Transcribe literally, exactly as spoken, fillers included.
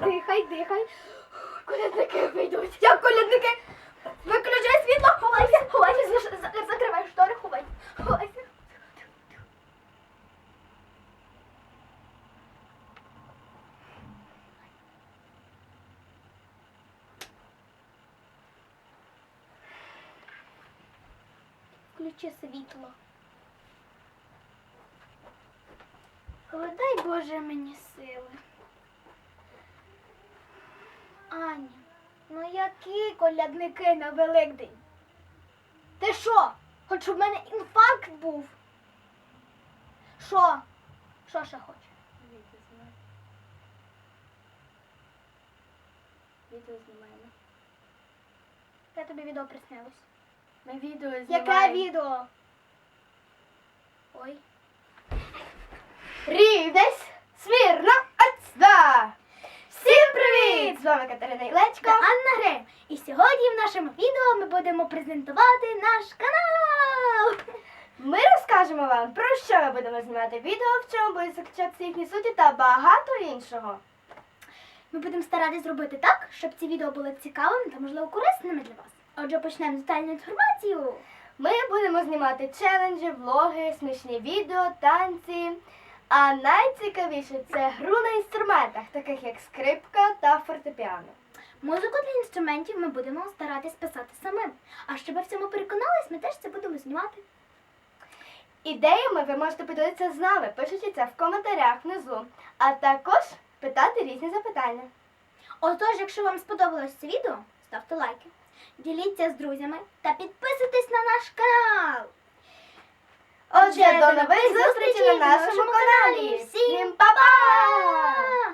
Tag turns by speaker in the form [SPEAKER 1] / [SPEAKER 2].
[SPEAKER 1] Дихай, дихай. Колядники вийдуть. Як колядники? Виключай світло, ховайся, ховайся, заш- за- закривай штори, ховайся, ховайся. Включи світло. О, дай Боже мені сили. Аня, ну які колядники на Великдень? Ти що? Хоч щоб в мене інфаркт був? Що? Що ще хочеш?
[SPEAKER 2] Відео знімаємо. Відео знімаємо.
[SPEAKER 1] Я тобі відео приснилось.
[SPEAKER 2] Ми відео знімаємо.
[SPEAKER 1] Яке відео? Ой.
[SPEAKER 2] Рівнесь, смірно, ацда! Всім привіт! З вами Катерина Ілечко.
[SPEAKER 1] Та Анна Грим. І сьогодні в нашому відео ми будемо презентувати наш канал.
[SPEAKER 2] Ми розкажемо вам, про що ми будемо знімати відео, в чому будуть заключатися їхні суті та багато іншого.
[SPEAKER 1] Ми будемо старатися зробити так, щоб ці відео були цікавими та, можливо, корисними для вас. Отже, почнемо з детальну інформацію.
[SPEAKER 2] Ми будемо знімати челенджі, влоги, смішні відео, танці. А найцікавіше це гру на інструментах, таких як скрипка та фортепіано.
[SPEAKER 1] Музику для інструментів ми будемо старатись писати самим. А щоб ви в цьому переконались, ми теж це будемо знімати.
[SPEAKER 2] Ідеями ви можете поділитися з нами, пишучи це в коментарях внизу, а також питати різні запитання.
[SPEAKER 1] Отож, якщо вам сподобалось це відео, ставте лайки, діліться з друзями та підписуйтесь на наш канал.
[SPEAKER 2] Отже, до нових зустрічей на нашому каналі. Всім па-па!